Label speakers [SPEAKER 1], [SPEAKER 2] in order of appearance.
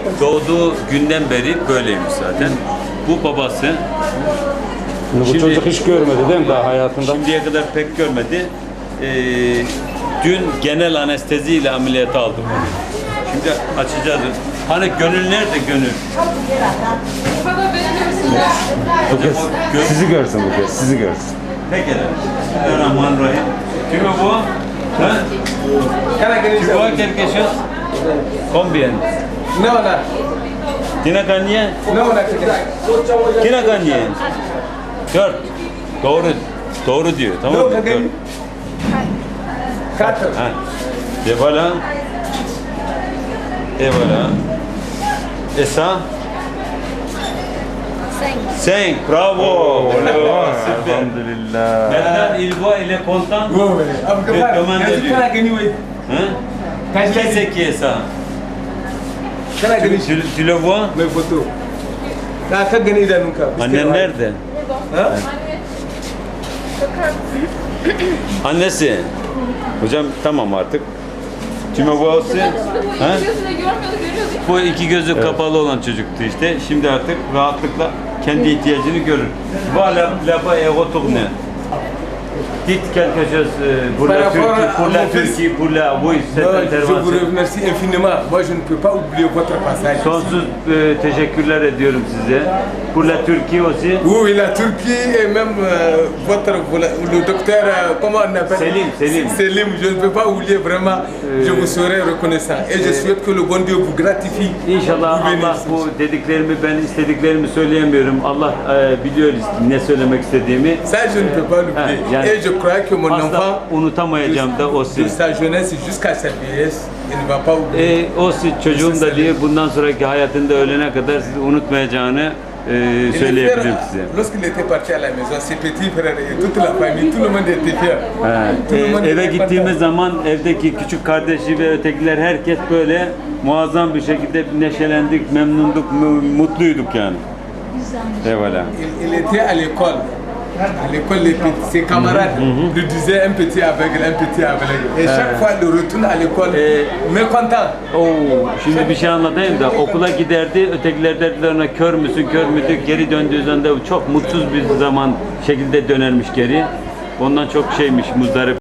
[SPEAKER 1] doğduğu günden beri böyleymiş zaten. Bu babası.
[SPEAKER 2] Bu
[SPEAKER 1] Şimdi-
[SPEAKER 2] çocuk hiç görmedi değil mi daha hayatında?
[SPEAKER 1] Şimdiye kadar pek görmedi. Dün genel anesteziyle ameliyata aldım onu. Şimdi açacağız. Hani gönül nerede gönül?
[SPEAKER 3] Bana beğeniyorsun ya.
[SPEAKER 2] Bu kez sizi görsün bu kez, sizi görsün.
[SPEAKER 1] Peki. Bismillahirrahmanirrahim. Tu me vois? Hein? Tu vois quelque chose? Combien?
[SPEAKER 4] Non, là.
[SPEAKER 1] Tina gagné?
[SPEAKER 4] Non, on a fait
[SPEAKER 1] Tina gagné? 4. Doğru. Doğru diyor. Tamam mı?
[SPEAKER 4] Non, on a
[SPEAKER 1] Dört.
[SPEAKER 4] gagné. 4.
[SPEAKER 1] Ha. Et voilà. Et voilà. Et ça? 5. Bravo. Super.
[SPEAKER 2] Elhamdülillah.
[SPEAKER 1] Maintenant, il voit, il est content.
[SPEAKER 4] Oui, oui. Après,
[SPEAKER 1] Mais comment
[SPEAKER 4] quand
[SPEAKER 1] de lui?
[SPEAKER 4] on a gagné, oui.
[SPEAKER 1] Hein?
[SPEAKER 4] Quand
[SPEAKER 1] Qui c'est qui est ça?
[SPEAKER 4] on a gagné,
[SPEAKER 1] Tu le vois?
[SPEAKER 4] mes photos. Quand on a gagné, il a nous cap.
[SPEAKER 1] Annen nerede?
[SPEAKER 4] Hein?
[SPEAKER 1] Annesi. Hocam tamam artık. Tu me vois aussi? Ha?
[SPEAKER 3] Gözüne görmüyordu, görüyordu.
[SPEAKER 1] Bu iki gözü kapalı olan çocuktu işte. Şimdi artık rahatlıkla kendi ihtiyacını görür. Voilà, là-bas est retourné. Dites quelque chose pour
[SPEAKER 4] Par
[SPEAKER 1] la
[SPEAKER 4] rapport
[SPEAKER 1] Turquie,
[SPEAKER 4] à
[SPEAKER 1] pour la
[SPEAKER 4] mon fils.
[SPEAKER 1] Turquie, pour la, oui, cette
[SPEAKER 4] Non, je vous
[SPEAKER 1] intervention.
[SPEAKER 4] remercie infiniment. Moi, je ne peux pas oublier votre passage.
[SPEAKER 1] Sonsuz teşekkürler ediyorum size. Pour la Turquie aussi.
[SPEAKER 4] Oui, la Turquie et même le docteur, comment on appelle
[SPEAKER 1] Selim, Selim.
[SPEAKER 4] Selim, je ne peux pas oublier vraiment. Je vous serai reconnaissant. Et je souhaite que le bon Dieu vous gratifie.
[SPEAKER 1] İnşallah
[SPEAKER 4] Vous
[SPEAKER 1] Allah
[SPEAKER 4] bénisse.
[SPEAKER 1] bu dediklerimi, ben istediklerimi söyleyemiyorum. Allah biliyor ne söylemek istediğimi.
[SPEAKER 4] Ça, je ne peux pas l'oublier.
[SPEAKER 1] Ah, yani-
[SPEAKER 4] Et je crois que mon
[SPEAKER 1] Asla
[SPEAKER 4] enfant,
[SPEAKER 1] unutamayacağım da o
[SPEAKER 4] de sa jeunesse jusqu'à sa vieillesse, il ne va pas oublier.
[SPEAKER 1] Çocuğum da diye bundan sonraki hayatında ölene kadar sizi unutmayacağını
[SPEAKER 4] Et le
[SPEAKER 1] söyleyebilirim
[SPEAKER 4] frère,
[SPEAKER 1] size.
[SPEAKER 4] lorsqu'il était parti à la maison, ses petits frères et toute la famille, tout le monde était fier. Tout le monde
[SPEAKER 1] Eve
[SPEAKER 4] était
[SPEAKER 1] gittiğimiz
[SPEAKER 4] content.
[SPEAKER 1] zaman evdeki küçük kardeşi ve ötekiler herkes böyle muazzam bir şekilde neşelendik, memnunduk, mutluyduk yani. Eyvallah.
[SPEAKER 4] Il était à l'école. À l'école, ses camarades lui disaient un petit aveugle, un petit aveugle. Et chaque fois, il retourne à l'école, mécontent.
[SPEAKER 1] Oo, şimdi bir şey anlatayım da okula giderdi, ötekiler derdiler ona kör müsün, kör müydü? Geri döndüğü zaman da çok mutsuz bir zaman şekilde dönermiş geri. Ondan çok şeymiş, muzdarip.